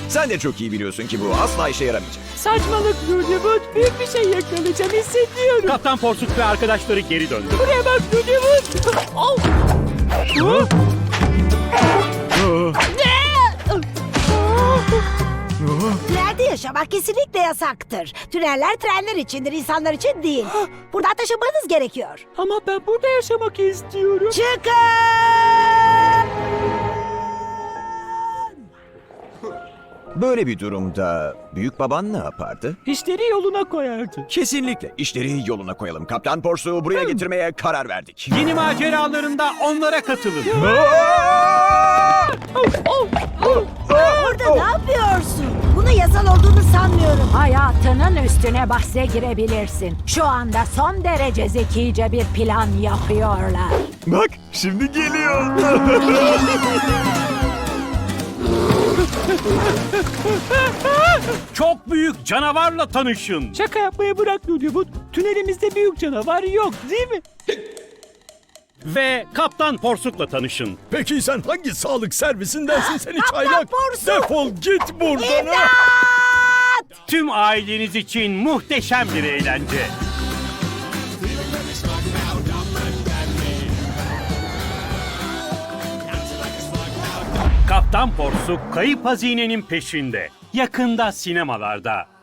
Sen de çok iyi biliyorsun ki bu asla işe yaramayacak. Saçmalık Nunimut. Büyük bir şey yakalayacağım hissediyorum. Kaptan Porsuk ve arkadaşları geri döndü. Buraya bak Nunimut. Oh. Tünelde yaşamak kesinlikle yasaktır. Tüneller trenler içindir, insanlar için değil. Buradan taşınmanız gerekiyor. Ama ben burada yaşamak istiyorum. Çıkın! Böyle bir durumda büyük baban ne yapardı? İşleri yoluna koyardı. Kesinlikle işleri yoluna koyalım. Kaptan Porsu'yu buraya getirmeye karar verdik. Yeni maceralarında onlara katılın. Orada ne yapıyorsun? Bunun yasal olduğunu sanmıyorum. Hayatının üstüne bahse girebilirsin. Şu anda son derece zekice bir plan yapıyorlar. Bak şimdi geliyor. Çok büyük canavarla tanışın. Şaka yapmayı bırak Nunimut. Tünelimizde büyük canavar yok değil mi? Ve Kaptan Porsuk'la tanışın. Peki sen hangi sağlık servisindensin seni Kaptan çaylak? Porsuk! Defol git buradan. ha! Tüm aileniz için muhteşem bir eğlence. Kaptan Porsuk kayıp hazinenin peşinde. Yakında sinemalarda.